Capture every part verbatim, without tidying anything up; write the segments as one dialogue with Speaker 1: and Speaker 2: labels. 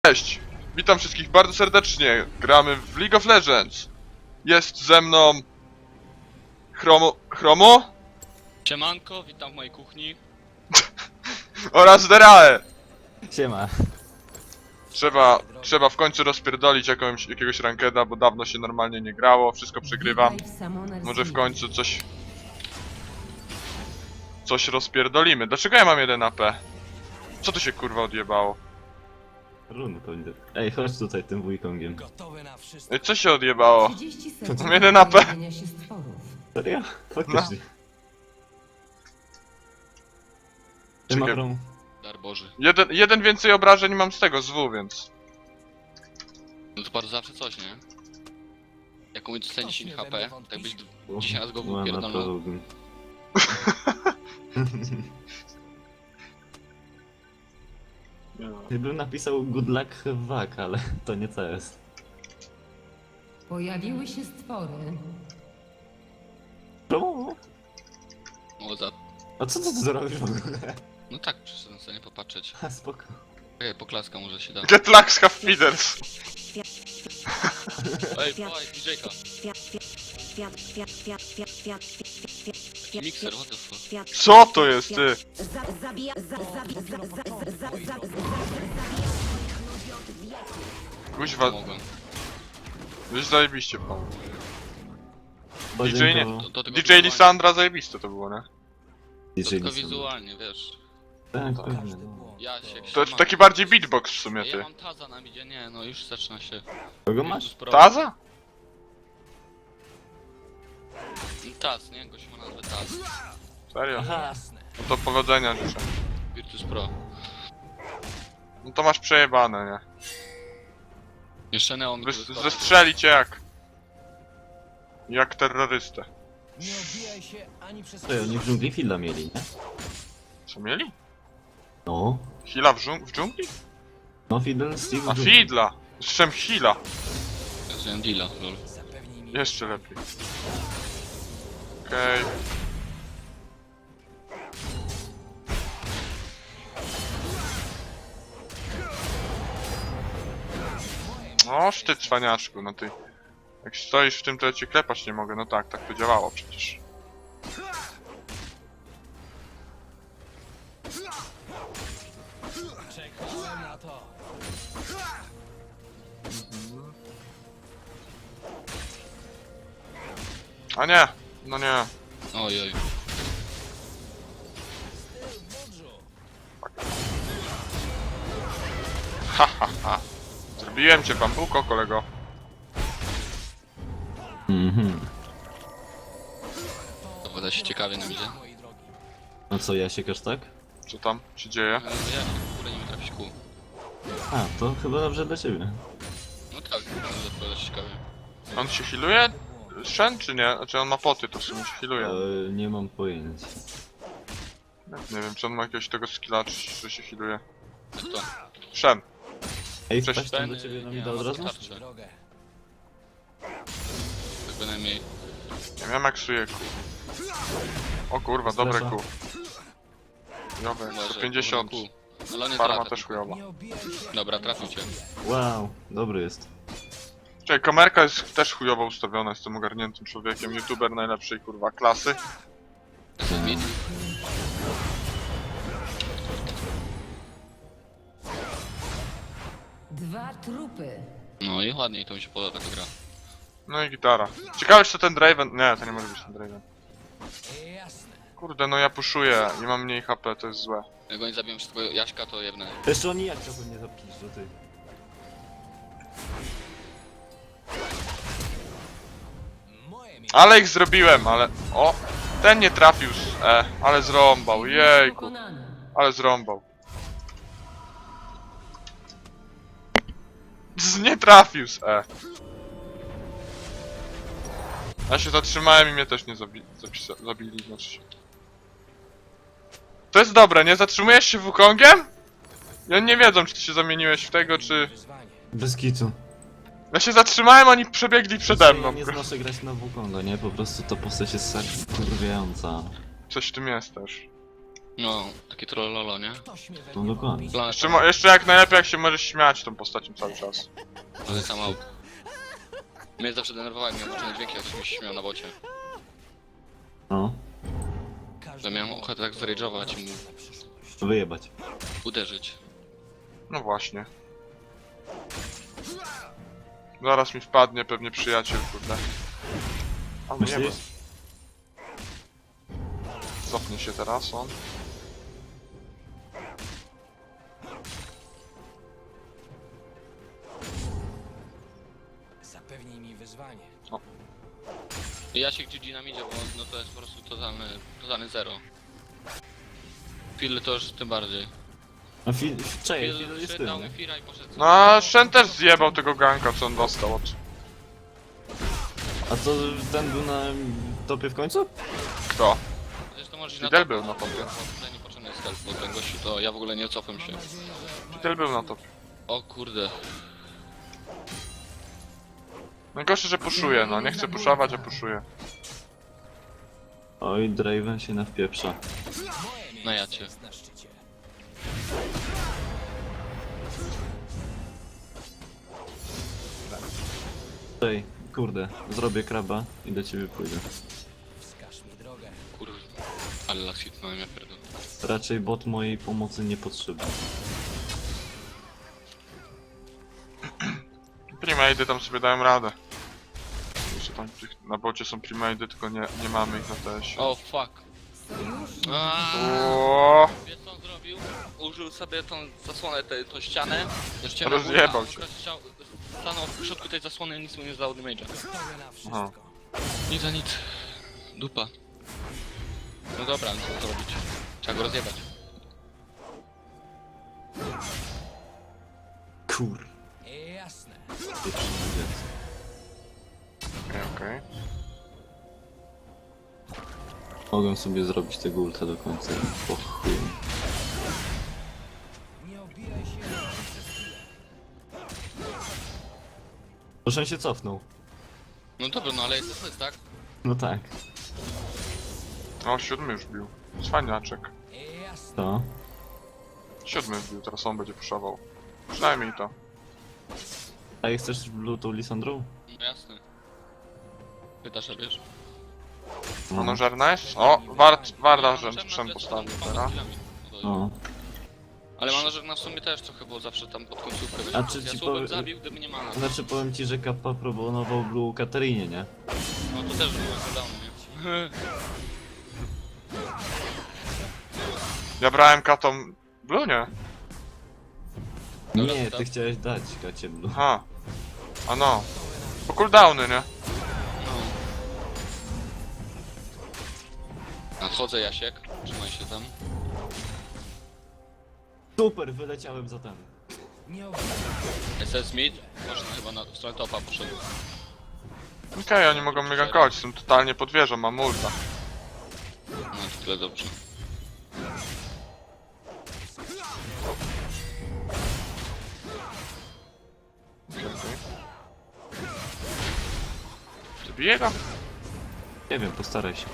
Speaker 1: Cześć! Witam wszystkich bardzo serdecznie. Gramy w League of Legends. Jest ze mną... Chromo... Chromo?
Speaker 2: Siemanko, witam w mojej kuchni.
Speaker 1: Oraz Derae.
Speaker 3: Siema.
Speaker 1: Trzeba, trzeba w końcu rozpierdolić jakąś, jakiegoś rankeda, bo dawno się normalnie nie grało, wszystko przegrywam. Może w końcu coś... Coś rozpierdolimy. Dlaczego ja mam jeden A P? Co tu się kurwa odjebało?
Speaker 3: Runy pewnie. Ej, chodź tutaj tym wujkongiem.
Speaker 1: Ej, co się odjebało?
Speaker 4: Mam
Speaker 1: jeden A P.
Speaker 3: Serio? Faktycznie. Ty ma
Speaker 1: Czekaj.
Speaker 3: prom...
Speaker 2: Dar Boży.
Speaker 1: Jeden, jeden więcej obrażeń mam z tego, z W, więc...
Speaker 2: No to bardzo zawsze coś, nie? Jak umieć dostać dziesięć H P, tak byś dziesięć razy go
Speaker 3: Łama
Speaker 2: wypierdolnął.
Speaker 3: prorogiem. Gdybym napisał good luck have luck, ale to nie C S.
Speaker 4: Pojawiły się stwory.
Speaker 3: Czemu?
Speaker 2: O, za...
Speaker 3: A co ty tu zrobisz w ogóle?
Speaker 2: No tak, przyszedłem sobie nie popatrzeć.
Speaker 3: Ha, spoko.
Speaker 2: Ej, poklaska może się da.
Speaker 1: Get Lux have feeders.
Speaker 2: Ej, pałaj, D J-ka. Mikser, what the fuck.
Speaker 1: Co to jest, ty? Kuźwa,
Speaker 2: Mogłem.
Speaker 1: już zajebiście pan.
Speaker 3: Chodź
Speaker 1: D J nie-
Speaker 3: do-
Speaker 2: To, to tylko
Speaker 1: D J
Speaker 2: wizualnie.
Speaker 1: Lisandra zajebiste to było, nie?
Speaker 2: To
Speaker 3: D J
Speaker 2: tylko
Speaker 3: Lisandra.
Speaker 2: wizualnie, wiesz.
Speaker 3: Tak, pewnie, no.
Speaker 2: Ja się
Speaker 1: To jest taki bardziej beatbox w sumie,
Speaker 2: Ja
Speaker 1: ty.
Speaker 2: mam Taza na midzie, nie, no już zaczyna się.
Speaker 3: Kogo masz?
Speaker 1: Taza?
Speaker 2: Taz, nie? Gość ma nazwę Taz.
Speaker 1: Serio?
Speaker 3: Aha.
Speaker 1: No to powodzenia życzę.
Speaker 2: Virtus Pro.
Speaker 1: No to masz przejebane, nie?
Speaker 2: Jeszcze Neon
Speaker 1: Wy,
Speaker 2: wyskoczył.
Speaker 1: zestrzeli cię jak... Jak terrorystę.
Speaker 5: Nie odbijaj się ani przez...
Speaker 3: Ej, oni w dżungli Filla mieli, nie?
Speaker 1: Co mieli?
Speaker 3: No.
Speaker 1: Hila w, dżung w dżungli?
Speaker 3: No Fiddle, Steve
Speaker 1: A
Speaker 3: w dżungli.
Speaker 1: Fidla! Z czym Hila?
Speaker 2: Ja zrobiłem deala, lol.
Speaker 5: Zapewnij mi...
Speaker 1: Jeszcze lepiej. Okej. Oż ty cwaniaczku, no ty. Jak stoisz w tym, to ja cię klepać nie mogę. No tak, tak to działało przecież.
Speaker 5: Czekałem na to.
Speaker 1: A nie! No nie.
Speaker 2: Oj, oj.
Speaker 1: Ha ha ha. Zrobiłem cię bambuko, kolego.
Speaker 3: Mhm.
Speaker 2: To wyda się ciekawie na midzie.
Speaker 5: Moi drogi.
Speaker 3: No co, ja siekasz tak?
Speaker 1: Co tam się dzieje?
Speaker 2: Ale ja się w ogóle nie wiem trafić kół.
Speaker 3: A, to chyba dobrze dla ciebie.
Speaker 2: No tak, to wyda się ciekawie.
Speaker 1: On się healuje? Shen czy nie? Znaczy on ma poty, to w sumie się healuje.
Speaker 3: E, nie mam pojęcia.
Speaker 1: Nie wiem, czy on ma jakiegoś tego skilla, czy, czy się healuje.
Speaker 2: Kto?
Speaker 1: Shen.
Speaker 3: Ej,
Speaker 1: Cześć,
Speaker 3: wpaść tam do
Speaker 2: Ben,
Speaker 3: ciebie na
Speaker 2: nie,
Speaker 3: mida
Speaker 2: ma
Speaker 3: od razu?
Speaker 2: starczy.
Speaker 5: Drogę.
Speaker 2: Tak bynajmniej.
Speaker 1: Nie wiem, maksuję kół. O kurwa, dobre
Speaker 3: Strefa.
Speaker 1: kół. Jowe,
Speaker 2: Uważaj,
Speaker 1: sto pięćdziesiąt.
Speaker 2: kół. Ale on nie
Speaker 1: Farma
Speaker 2: trafia.
Speaker 1: też chujowa.
Speaker 5: Nie obijaj się...
Speaker 2: Dobra, trafił cię.
Speaker 3: Wow, dobry jest.
Speaker 1: Czekaj, kamerka jest też chujowo ustawiona, jestem ogarniętym człowiekiem. YouTuber najlepszej kurwa klasy.
Speaker 2: To jest mid.
Speaker 4: Dwa trupy.
Speaker 2: No i ładniej to mi się podoba ta gra.
Speaker 1: No i gitara. Ciekawe czy to ten Draven... Nie, to nie może być ten Draven.
Speaker 5: Jasne.
Speaker 1: Kurde, no ja puszuję i mam mniej H P, to jest złe.
Speaker 2: Jak oni zabiją wszystkiego Jaśka, to jebnę.
Speaker 3: Jeszcze oni jak to nie zapisz, że ty.
Speaker 5: Moje miejsce.
Speaker 1: Ale ich zrobiłem, ale... O! Ten nie trafił z E, ale zrąbał, jejku.
Speaker 4: Pokonany.
Speaker 1: Ale zrąbał. Z nie trafił z E. Ja się zatrzymałem i mnie też nie zabi zapisa- zabili, znaczy się. To jest dobre, nie? Zatrzymujesz się Wukongiem? I oni nie wiedzą, czy ty się zamieniłeś w tego, czy...
Speaker 5: Wyzwanie.
Speaker 3: Bez kitu.
Speaker 1: Ja się zatrzymałem, oni przebiegli przede mną.
Speaker 3: Ja nie znoszę grać na Wukonga, nie? Po prostu to postać jest tak kurwiająca.
Speaker 1: Coś w tym jest też.
Speaker 2: No, takie trollolo, nie?
Speaker 5: Ktoś mnie we
Speaker 3: No
Speaker 5: mnie
Speaker 3: dokładnie.
Speaker 5: wątpi.
Speaker 2: Planeta,
Speaker 1: Jeszcze, mo- jeszcze jak najlepiej jak się możesz śmiać tą postacią cały czas.
Speaker 2: ale sama... Mnie zawsze denerwowały mnie włączone dźwięki, jak się mi śmiał na bocie.
Speaker 3: No,
Speaker 5: Każdy
Speaker 2: Że miałem
Speaker 5: błąd
Speaker 2: ochotę tak zrage'ować i mu
Speaker 5: na przyszłość.
Speaker 3: wyjebać.
Speaker 2: uderzyć.
Speaker 1: No właśnie. Zaraz mi wpadnie pewnie przyjaciel, kurde. A nie,
Speaker 3: Myślisz?
Speaker 1: cofnie się teraz on.
Speaker 5: Zapewnij mi wyzwanie.
Speaker 2: I ja się gdzieś na midzie, bo no to jest po prostu totalny, totalny zero. Phil to już tym bardziej.
Speaker 3: No Fil... Cześć, Fil
Speaker 2: Phil
Speaker 3: jest
Speaker 2: przydał
Speaker 3: tym,
Speaker 2: mi
Speaker 3: nie?
Speaker 2: Fira i poszedł.
Speaker 1: No a Shen też zjebał tego ganka co on dostał od...
Speaker 3: A co, ten był na topie w końcu?
Speaker 1: Kto?
Speaker 2: Zresztą możesz
Speaker 1: Fidel
Speaker 2: topa,
Speaker 1: był na topie.
Speaker 2: bo tutaj niepotrzebny jest help, bo ten gościu to ja w ogóle nie cofam się.
Speaker 1: Fidel był na to.
Speaker 2: O kurde.
Speaker 1: Najgorsze, że puszuje, no. Nie chce puszować, a puszuje.
Speaker 3: Oj, Draven się nawpieprza.
Speaker 5: Moje
Speaker 2: No ja
Speaker 5: miejsce
Speaker 2: cię.
Speaker 5: jest na szczycie.
Speaker 3: Ej, kurde, zrobię kraba i do ciebie pójdę.
Speaker 5: Wskaż mi drogę.
Speaker 2: Kurwa. Ale las hitnąłem, ja pierdolę.
Speaker 3: Raczej bot mojej pomocy nie potrzebny.
Speaker 1: Primady tam sobie dają radę. Jeszcze tam tych, na bocie są primady, tylko nie, nie mamy ich na T S.
Speaker 2: O fuck.
Speaker 4: Sojusznik
Speaker 1: O,
Speaker 2: Wiesz co on zrobił? Użył sobie tą zasłonę, tę tą ścianę. Już cię
Speaker 1: Rozjebał cię.
Speaker 2: Stanął w środku tej zasłony, nic mu nie zdało damage'a.
Speaker 5: Gotowy na
Speaker 1: Aha.
Speaker 5: wszystko.
Speaker 2: Nic za nic. Dupa. No dobra, no co to robić? Trzeba go rozjebać.
Speaker 3: Kur...
Speaker 5: Jasne.
Speaker 3: pieprzony dziec.
Speaker 1: okej, okej.
Speaker 3: Mogę sobie zrobić tego ulta do końca i po chuju.
Speaker 5: Nie obijaj się przez chwilę.
Speaker 3: Proszę się cofnął.
Speaker 2: No dobra, no ale jest to jest, tak?
Speaker 3: No tak.
Speaker 1: O, siódmy już bił. Cwaniaczek.
Speaker 5: Jasne.
Speaker 3: To.
Speaker 1: Siódmy bił, teraz on będzie puszował. Przynajmniej to.
Speaker 3: A jak chcesz lutą Lisandrą?
Speaker 2: No jasne. Pytasz, a wiesz?
Speaker 3: No.
Speaker 1: Ono żarna jest? O, wart, warda,
Speaker 2: Ja
Speaker 1: że
Speaker 2: mam
Speaker 1: Shen
Speaker 2: na
Speaker 1: postawił
Speaker 2: plecy,
Speaker 1: teraz.
Speaker 2: mam skillami. No to-
Speaker 3: No.
Speaker 2: Ale manażer w sumie też trochę, bo zawsze tam pod końcówkę wiesz,
Speaker 3: A czy
Speaker 2: ja
Speaker 3: ci
Speaker 2: słowem
Speaker 3: powie-
Speaker 2: zabił, gdyby nie mana.
Speaker 3: Znaczy powiem ci, że Kappa proponował Blue Katarinie, nie?
Speaker 2: No to też było cooldowny, nie?
Speaker 1: Ja brałem katą... Blue, nie?
Speaker 2: Dobra,
Speaker 3: Nie,
Speaker 2: to-
Speaker 3: ty chciałeś dać Kacie Blue.
Speaker 1: Aha. A no. Bo cooldowny, nie?
Speaker 2: No. Nadchodzę, Jasiek. Trzymaj się tam.
Speaker 3: Super, wyleciałem za ten.
Speaker 5: Nie obijaj
Speaker 2: S S Mid. Poszedł chyba na w stronę topa, poszedł.
Speaker 1: Okej, oni mogą mnie gankować, są totalnie pod wieżą, mam ulta.
Speaker 2: No to tyle dobrze.
Speaker 1: Okej, okej. Zabiję go?
Speaker 3: Nie wiem, postaraj się.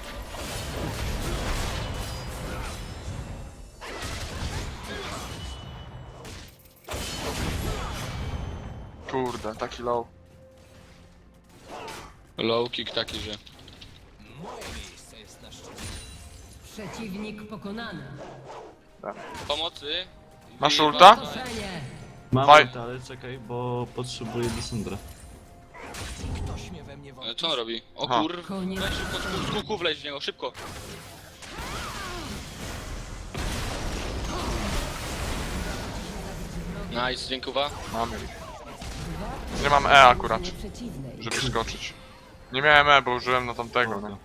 Speaker 1: Kurde, taki low.
Speaker 2: Low kick taki, że...
Speaker 5: Moje miejsce jest na szczycie.
Speaker 4: przeciwnik pokonany.
Speaker 2: Pomocy!
Speaker 1: Masz
Speaker 2: I-
Speaker 1: ulta?
Speaker 4: Otoczenie.
Speaker 3: Mam
Speaker 1: Faj-
Speaker 3: ulta, ale czekaj, bo potrzebuję Lisandra.
Speaker 5: Ktoś mnie we mnie
Speaker 2: E,
Speaker 5: wątpi.
Speaker 2: Co on robi? O
Speaker 1: Aha.
Speaker 2: kur...
Speaker 4: Koniec.
Speaker 2: Weź szybko, z kuku wleź w niego, szybko! Nice, dziękuję.
Speaker 1: Mamy. Nie mam E akurat,
Speaker 4: Drużynie przeciwnej.
Speaker 1: żeby skoczyć. Nie miałem E, bo użyłem na tamtego, no.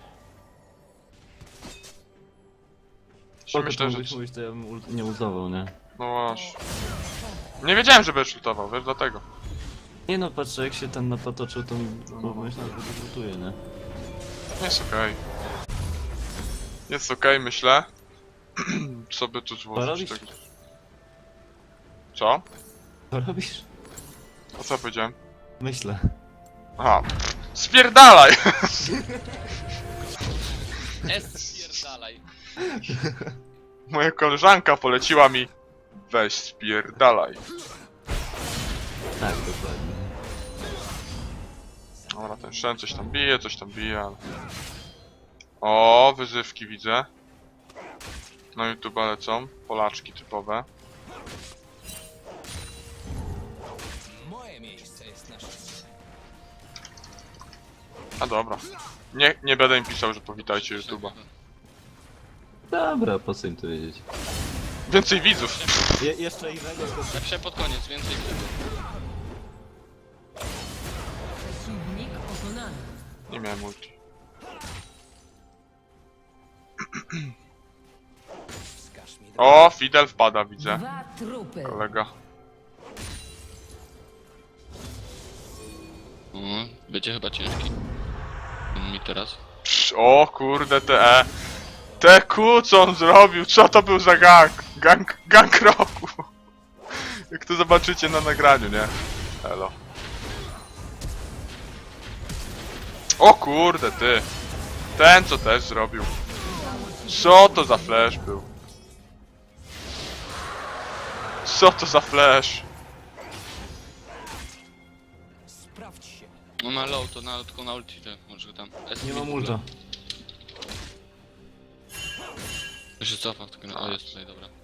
Speaker 3: Spoko,
Speaker 1: Myślę, że...
Speaker 3: mówisz, mówisz, to ja bym ult nie ultował, nie?
Speaker 1: No właśnie. Nie wiedziałem, że będziesz ultował, wiesz, dlatego.
Speaker 3: Nie no, patrzę, jak się ten napatoczył, to bo myślałem, że go ultuje, nie?
Speaker 1: Jest okej. Jest okej, myślę. Co by tu
Speaker 3: Co
Speaker 1: złożyć
Speaker 3: robisz?
Speaker 1: tego? Co?
Speaker 3: Co robisz?
Speaker 1: A co powiedziałem?
Speaker 3: Myślę.
Speaker 1: Aha. Spierdalaj!
Speaker 2: S spierdalaj.
Speaker 1: Moja koleżanka poleciła mi weź spierdalaj.
Speaker 3: Tak, dokładnie.
Speaker 1: Dobra, ten Shen coś tam bije, coś tam bije, ale... O, wyzywki widzę. Na YouTube lecą, Polaczki typowe.
Speaker 5: Moje miejsce jest na szczycie.
Speaker 1: A dobra. Nie, nie będę im pisał, że powitajcie YouTube'a.
Speaker 3: Dobra, po co im to wiedzieć?
Speaker 1: Więcej widzów!
Speaker 3: Je jeszcze innego to...
Speaker 2: Napiszę pod koniec, więcej tego.
Speaker 4: Przeciwnik pokonany.
Speaker 1: Nie miałem multi.
Speaker 5: Wskaż mi drogę.
Speaker 1: O, Fidel wpada, widzę.
Speaker 4: Dwa trupy.
Speaker 1: Kolega.
Speaker 2: O, będzie chyba ciężki. Mi teraz.
Speaker 1: Psz, o kurde, te E. Te Q, co on zrobił? Co to był za gang? Gang, gang roku. Jak to zobaczycie na nagraniu, nie? Elo. O kurde, ty. Ten, co też zrobił. Co to za flash był? Co to za flash?
Speaker 5: Sprawdź się.
Speaker 2: No na low, to na, tylko na ulti, te, może tam. S
Speaker 3: Nie
Speaker 2: mi
Speaker 3: mam
Speaker 2: w ogóle.
Speaker 3: ulta.
Speaker 2: To się cofa, tylko o jest tutaj, dobra.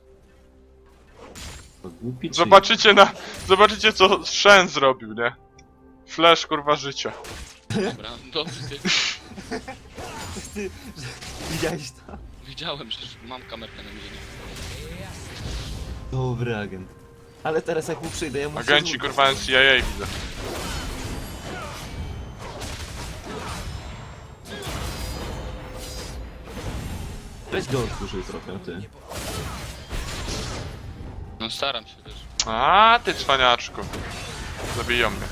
Speaker 3: To głupi ci.
Speaker 1: Zobaczycie na... Zobaczycie, co Shen zrobił, nie? Flash, kurwa, życia.
Speaker 2: Dobra, dobrze ty.
Speaker 3: Ty, widziałeś to?
Speaker 2: Widziałem, że mam kamerkę na mnie.
Speaker 3: Dobry agent. Ale teraz jak mu przyjdę, ja muszę...
Speaker 1: Agenci,
Speaker 3: złupić.
Speaker 1: kurwa, N C A A widzę.
Speaker 3: Weź go otworzyj trochę, ty.
Speaker 2: No staram się też.
Speaker 1: A, ty cwaniaczku. Zabiją mnie.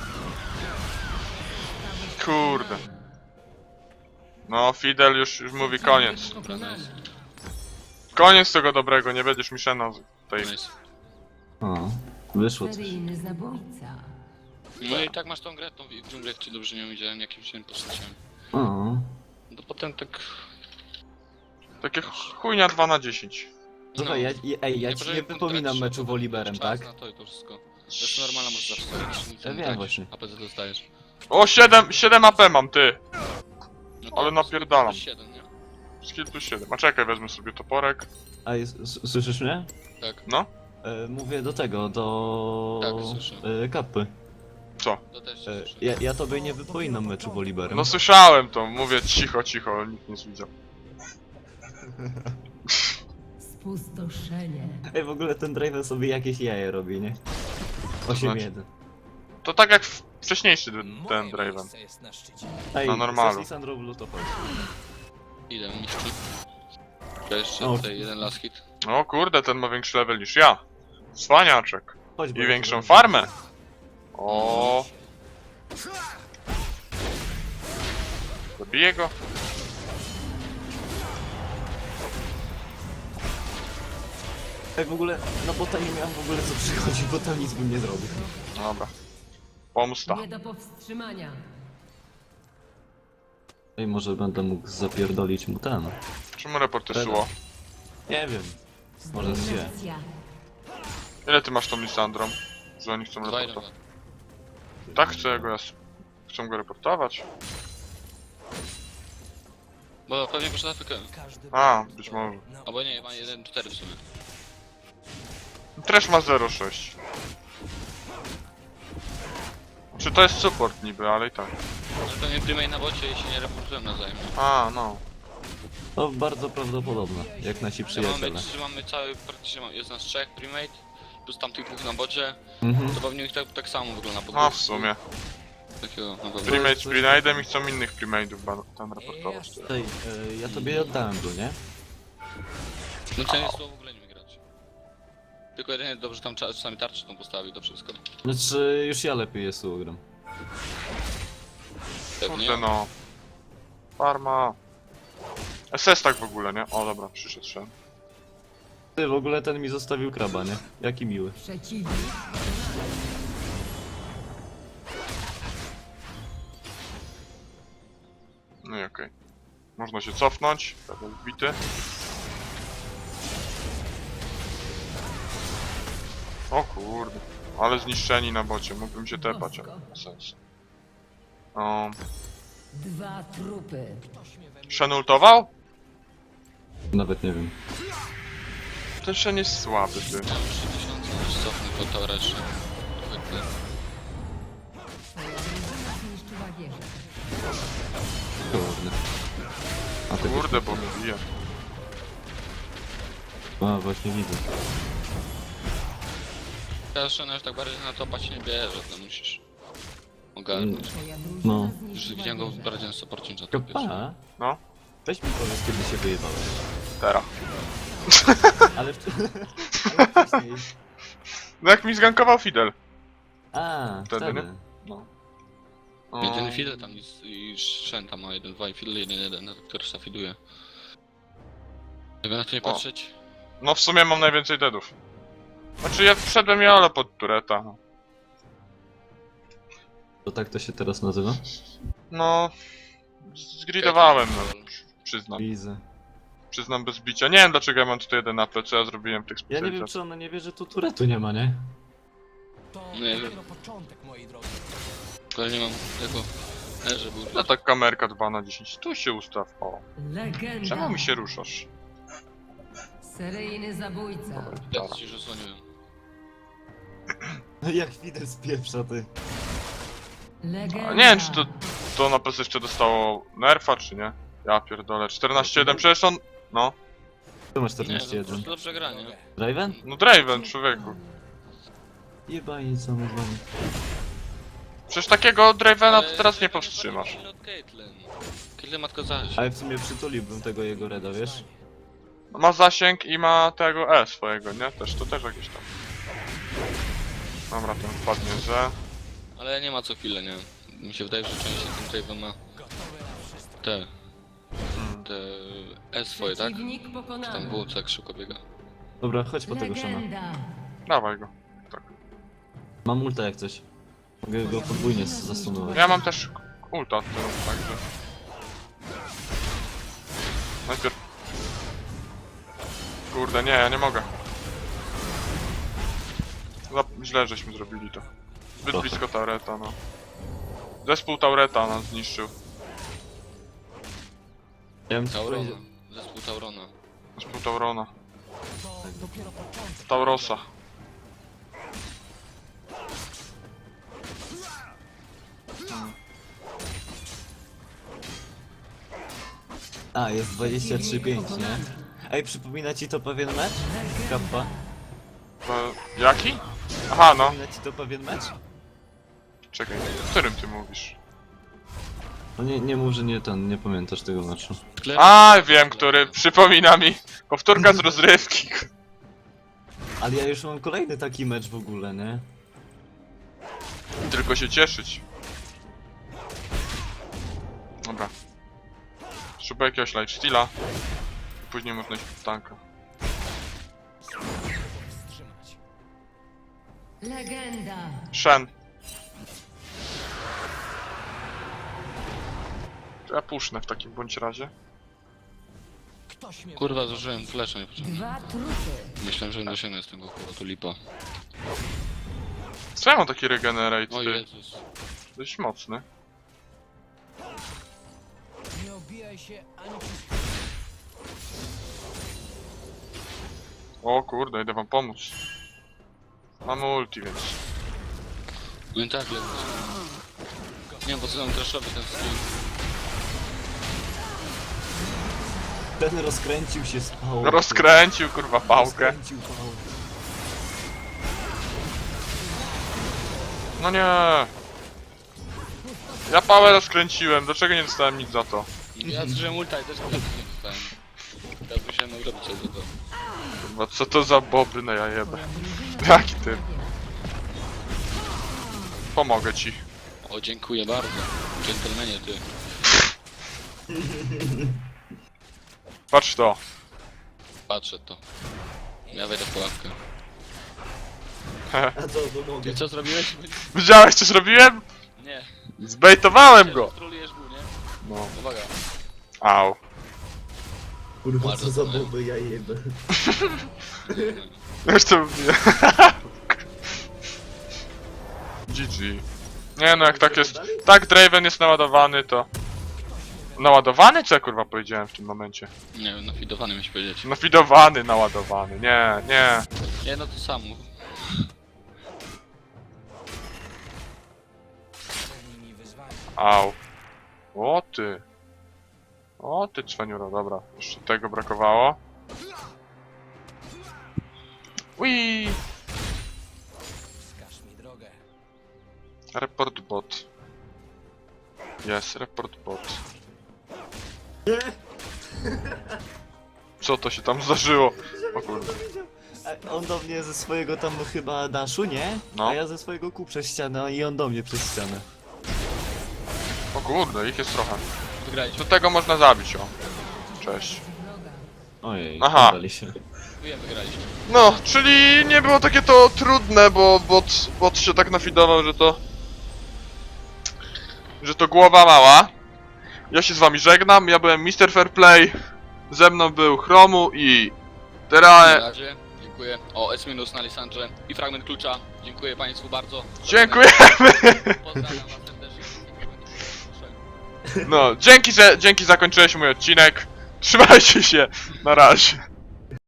Speaker 1: Kurde. No, Fidel już, już mówi koniec.
Speaker 2: Dobra, nice.
Speaker 1: Koniec tego dobrego, nie będziesz mi Shena tej...
Speaker 2: Nice.
Speaker 3: O, wyszło coś.
Speaker 4: Seryjny zabójca.
Speaker 2: No i tak masz tą grę, tą wi- dżunglę, czy dobrze nie widziałem, jakimś innym postacią.
Speaker 3: O,
Speaker 2: No potem tak...
Speaker 1: Takie chujnia dwa na dziesięć.
Speaker 3: słuchaj, ja, ja, ej, ja
Speaker 2: Nie,
Speaker 3: ci
Speaker 2: proszę,
Speaker 3: nie
Speaker 2: kontrakt
Speaker 3: wypominam
Speaker 2: się,
Speaker 3: meczu
Speaker 2: potem
Speaker 3: woliberem,
Speaker 2: czas
Speaker 3: tak?
Speaker 2: Na to i to wszystko. To jest normalna, możesz zawsze zrobić, nic
Speaker 3: Ja
Speaker 2: nie
Speaker 3: wiem
Speaker 2: tracisz,
Speaker 3: właśnie.
Speaker 2: A P Z dostajesz.
Speaker 1: O, siedem, siedem A P mam, ty.
Speaker 2: No
Speaker 1: Ale
Speaker 2: to
Speaker 1: napierdalam.
Speaker 2: siedem, nie?
Speaker 1: Skill plus siedem. A czekaj, wezmę sobie toporek.
Speaker 3: A jest, s- słyszysz mnie?
Speaker 2: Tak,
Speaker 1: No,
Speaker 3: E, mówię do tego, do...
Speaker 2: Tak, słyszę.
Speaker 3: E, kapy.
Speaker 1: co?
Speaker 2: to też się
Speaker 3: E,
Speaker 2: słyszy.
Speaker 3: ja, ja tobie nie wypominam meczu woliberem.
Speaker 1: No słyszałem to, mówię cicho, cicho, nikt nie widział.
Speaker 4: Spustoszenie.
Speaker 3: Ej, w ogóle ten Draven sobie jakieś jaje robi, nie? osiem jeden.
Speaker 1: To tak jak w- wcześniejszy d-
Speaker 5: Moje
Speaker 1: ten Draven.
Speaker 5: miejsce jest na szczycie.
Speaker 3: Ej,
Speaker 1: Na normalu.
Speaker 3: Sandro Blue to chodź.
Speaker 2: Idę, mistrzu. To jeszcze
Speaker 3: O.
Speaker 2: tutaj jeden last hit.
Speaker 1: O kurde, ten ma większy level niż ja. Cwaniaczek.
Speaker 3: Chodź, bo
Speaker 1: I
Speaker 3: ja
Speaker 1: większą
Speaker 3: cię
Speaker 1: farmę. O, zabiję go.
Speaker 3: Ej, w ogóle, no bo tam nie miałem w ogóle co przychodzić, bo tam nic bym nie zrobił.
Speaker 1: Dobra. Pomsta.
Speaker 4: Nie do powstrzymania.
Speaker 3: Ej, może będę mógł zapierdolić mu ten.
Speaker 1: Czemu reporter
Speaker 3: Dobra.
Speaker 1: szło?
Speaker 3: Nie wiem. Może się.
Speaker 4: Dominacja.
Speaker 1: Ile ty masz tą Lisandrą? Że oni chcą
Speaker 2: Dwa jeden
Speaker 1: reportować.
Speaker 2: dwa.
Speaker 1: Tak chcę go, ja s- chcą go reportować.
Speaker 2: Bo pewnie poszedł Afrykę.
Speaker 5: Każdy
Speaker 1: A,
Speaker 5: błąd
Speaker 1: być
Speaker 5: to
Speaker 1: może.
Speaker 5: nauka.
Speaker 2: Albo nie, ma jeden cztery w sumie.
Speaker 1: Trash ma zero sześć. Czy to jest support niby, ale i tak.
Speaker 2: Ale pewnie prymej na bocie i się nie reportują nawzajem.
Speaker 1: A, no.
Speaker 3: To bardzo prawdopodobne, jak nasi
Speaker 2: Ja
Speaker 3: przyjaciele.
Speaker 2: mamy, że mamy cały, praktycznie ma- jest nas trzech primate, plus tamtych dwóch na bocie,
Speaker 3: Mhm.
Speaker 2: to pewnie ich tak, tak samo wygląda. po
Speaker 1: A, w
Speaker 2: prostu.
Speaker 1: sumie.
Speaker 2: Takiego, no dobra.
Speaker 1: Primate z Grenade'em i chcą innych Primate'ów ba- tam reportować.
Speaker 3: Ej, e, ja tobie oddałem go, nie?
Speaker 2: No to nie słowo w ogóle nie grać. Tylko jedynie dobrze tam cza- czasami tarczy tą postawił, to wszystko.
Speaker 3: Znaczy, już ja lepiej jest ugram.
Speaker 2: Pewnie.
Speaker 1: Kurde no. Farma. S S tak w ogóle, nie? O dobra, przyszedł Shen.
Speaker 3: Ty, w ogóle ten mi zostawił kraba, nie? Jaki miły.
Speaker 4: Przeciwnik
Speaker 1: No i okej. Można się cofnąć, level wbity. O kurde. Ale zniszczeni na bocie, mógłbym się tepać, ale nie ma sensu. O,
Speaker 4: Dwa trupy.
Speaker 1: Shen ultował?
Speaker 3: Nawet nie wiem.
Speaker 1: Ten Shen jest słaby, ty.
Speaker 2: Ja mam trzy tysiące, już cofnę po toresze. Zwykle.
Speaker 4: Twoja drużyna zniszczyła wieżę.
Speaker 3: Kurde. A tego
Speaker 1: Kurde, bo mnie bije.
Speaker 3: A, właśnie widzę.
Speaker 2: Teraz Shena już tak bardziej na topa się nie bierze, to musisz ogarnąć.
Speaker 4: Twoja drużyna
Speaker 3: No.
Speaker 2: Już
Speaker 4: zniszczyła
Speaker 2: widziałem go
Speaker 4: wieżę.
Speaker 2: bardziej na supporcie niż na topie.
Speaker 3: Kopa?
Speaker 1: No,
Speaker 3: Weź mi powiedz, kiedy się wyjebałeś.
Speaker 1: teraz.
Speaker 3: Ale, w... Ale wcześniej.
Speaker 1: No jak mi zgankował Fidel.
Speaker 3: A,
Speaker 1: Wtedy,
Speaker 3: wtedy.
Speaker 1: nie? No. O,
Speaker 2: Jeden Fidel tam jest i Shen tam ma jeden, dwa i Fidel jeden, jeden, który szafiduje. Jakby na to nie
Speaker 1: O.
Speaker 2: patrzeć,
Speaker 1: no w sumie mam najwięcej deadów. Znaczy ja wszedłem jolo pod tureta.
Speaker 3: To tak to się teraz nazywa?
Speaker 1: No... Zgridowałem, no. Przyznam.
Speaker 3: Widzę.
Speaker 1: Przyznam bez bicia. Nie wiem dlaczego ja mam tutaj jeden A P, co ja zrobiłem tych
Speaker 3: Ja nie wiem,
Speaker 1: specjalizacji.
Speaker 3: czy ona nie wie, że tu turetu nie ma, nie?
Speaker 5: To
Speaker 2: Nie wiem.
Speaker 5: dopiero początek, moi drodzy.
Speaker 2: ale nie mam tego... E, że był...
Speaker 1: No tak kamerka dwa na dziesięć. Tu się ustaw. O.
Speaker 4: Legenda.
Speaker 1: Czemu mi się ruszasz?
Speaker 4: Seryjny zabójca.
Speaker 2: Ja ci już osłoniłem.
Speaker 3: No jak Fidel spieprza, ty.
Speaker 4: Legenda.
Speaker 1: A nie wiem czy to, to na pewno jeszcze dostało nerfa czy nie? Ja pierdolę. czternaście jeden przecież on... No.
Speaker 3: Tu masz
Speaker 2: Nie, no
Speaker 3: czternaście
Speaker 2: po
Speaker 3: jeden.
Speaker 2: prostu dobrze gra, nie?
Speaker 3: Draven?
Speaker 1: No Draven, człowieku.
Speaker 3: Jebani co mu wam.
Speaker 1: Przecież takiego Dravena
Speaker 2: Ale
Speaker 1: to teraz nie
Speaker 2: Draven
Speaker 1: powstrzymasz.
Speaker 2: bardziej od Caitlyn. Caitlyn matko zaś.
Speaker 3: Ale w sumie przytuliłbym tego jego reda, wiesz?
Speaker 1: Ma zasięg i ma tego E swojego, nie? Też, to też jakieś tam. Dobra, ten wpadnie, że...
Speaker 2: Ale nie ma co chwilę, nie? Mi się wydaje, że częściej ten Draven ma te... te... E swoje, tak?
Speaker 4: Przeciwnik
Speaker 2: Czy
Speaker 4: pokonany.
Speaker 2: tam W, co tak szybko biega.
Speaker 3: Dobra, chodź po tego Shana.
Speaker 4: Legenda.
Speaker 1: Dawaj go.
Speaker 3: Mam ulta jak coś. Mogę go podwójnie z- zastunować.
Speaker 1: Ja mam też ulta od tyłu, także... Najpierw... Kurde, nie, ja nie mogę. Za... Źle żeśmy zrobili to. Zbyt
Speaker 3: Trochę.
Speaker 1: blisko Taureta, no. Zespół Taureta nas zniszczył.
Speaker 3: Ja bym ci
Speaker 2: Taurona.
Speaker 3: powiedział...
Speaker 2: Zespół Taurona.
Speaker 1: Zespół Taurona.
Speaker 5: To dopiero początek.
Speaker 1: Taurosa.
Speaker 3: A, jest dwadzieścia trzy pięć, nie? Ej, przypomina ci to pewien mecz? Kappa?
Speaker 1: E, jaki? Aha, no.
Speaker 3: Przypomina ci to pewien mecz?
Speaker 1: Czekaj, o którym ty mówisz?
Speaker 3: No nie, nie mów, że nie ten, nie pamiętasz tego meczu.
Speaker 1: A, wiem, który przypomina mi powtórka z rozrywki.
Speaker 3: Ale ja już mam kolejny taki mecz w ogóle, nie?
Speaker 1: Tylko się cieszyć. Dobra. Szukaj jakiegoś lifesteala. Później można iść w tanka.
Speaker 5: Wstrzymać.
Speaker 4: Legenda.
Speaker 1: Shen. To ja pusznę w takim bądź razie.
Speaker 5: Ktoś mnie
Speaker 2: Kurwa, zużyłem flesza niepotrzebnie.
Speaker 4: Dwa trupy.
Speaker 2: Myślałem, że dosięgnę z tego kurwa, tu lipa.
Speaker 1: Co ja mam taki regenerate?
Speaker 2: O
Speaker 1: Ty?
Speaker 2: Jezus.
Speaker 1: Dość mocny.
Speaker 5: nie obijaj się ani przez
Speaker 1: O kurde, idę wam pomóc. Mam ulti, więc...
Speaker 2: No i tak, lecę. Nie wiem, po co nam traszowy ten skill.
Speaker 3: Ten rozkręcił się z pałką.
Speaker 1: Rozkręcił kurwa pałkę.
Speaker 3: Rozkręcił pałkę.
Speaker 1: No nie. Ja pałę rozkręciłem, dlaczego nie dostałem nic za to?
Speaker 2: Ja zużyłem ulta i też nic nie dostałem. Ja musiałem robić coś za to.
Speaker 1: Kurwa, co to za boby na jajebę?
Speaker 4: Drużyna
Speaker 1: Jaki ty? Pomogę ci.
Speaker 2: O, dziękuję bardzo. Dżentelmenie, ty.
Speaker 1: Patrz to.
Speaker 2: Patrzę to. Ja wejdę w pułapkę.
Speaker 3: A co, bo mogę.
Speaker 2: Ty co zrobiłeś?
Speaker 1: Widziałeś co zrobiłem?
Speaker 2: Nie.
Speaker 1: Zbejtowałem go!
Speaker 2: Trolujesz był, nie?
Speaker 1: No.
Speaker 2: Uwaga.
Speaker 1: Au.
Speaker 3: Kurwa,
Speaker 2: Bardzo
Speaker 3: co za
Speaker 2: fajnie.
Speaker 3: boby, ja jebę.
Speaker 1: Już to mówię. G G. Nie no, jak tak jest... Tak Draven jest naładowany, to... Naładowany? Co ja kurwa powiedziałem w tym momencie?
Speaker 2: Nie wiem, nafidowany miałeś powiedzieć.
Speaker 1: Nafidowany, naładowany. Nie, nie.
Speaker 2: Nie, no to samo.
Speaker 5: Przed nimi wyzwanie.
Speaker 1: Au. O ty. O ty cwaniuro, dobra. Jeszcze tego brakowało. Ui.
Speaker 5: Wskaż mi drogę.
Speaker 1: Report bot. Jest, report bot. Co to się tam zdarzyło? O kurde.
Speaker 3: A on do mnie ze swojego tam chyba daszu, nie?
Speaker 1: No.
Speaker 3: A ja ze swojego kół przez ścianę i on do mnie przez ścianę.
Speaker 1: O kurde, ich jest trochę.
Speaker 2: Wygraliśmy.
Speaker 1: Do tego można zabić, o. Cześć.
Speaker 4: Wroga.
Speaker 3: Ojej,
Speaker 1: Aha.
Speaker 3: poddali się.
Speaker 2: Wiem, wygraliśmy.
Speaker 1: No, czyli nie było takie to trudne, bo bot, bot się tak nafidował, że to... Że to głowa mała. Ja się z wami żegnam, ja byłem mister Fairplay. Ze mną był Chromu i...
Speaker 2: Na
Speaker 1: Teraz...
Speaker 2: razie, dziękuję. O, S minus na Lisandrze i fragment klucza. Dziękuję Państwu bardzo.
Speaker 1: Dziękujemy!
Speaker 2: Pozdrawiam Was serdecznie.
Speaker 1: No, dzięki, że... Dzięki zakończyłeś mój odcinek. Trzymajcie się, na razie.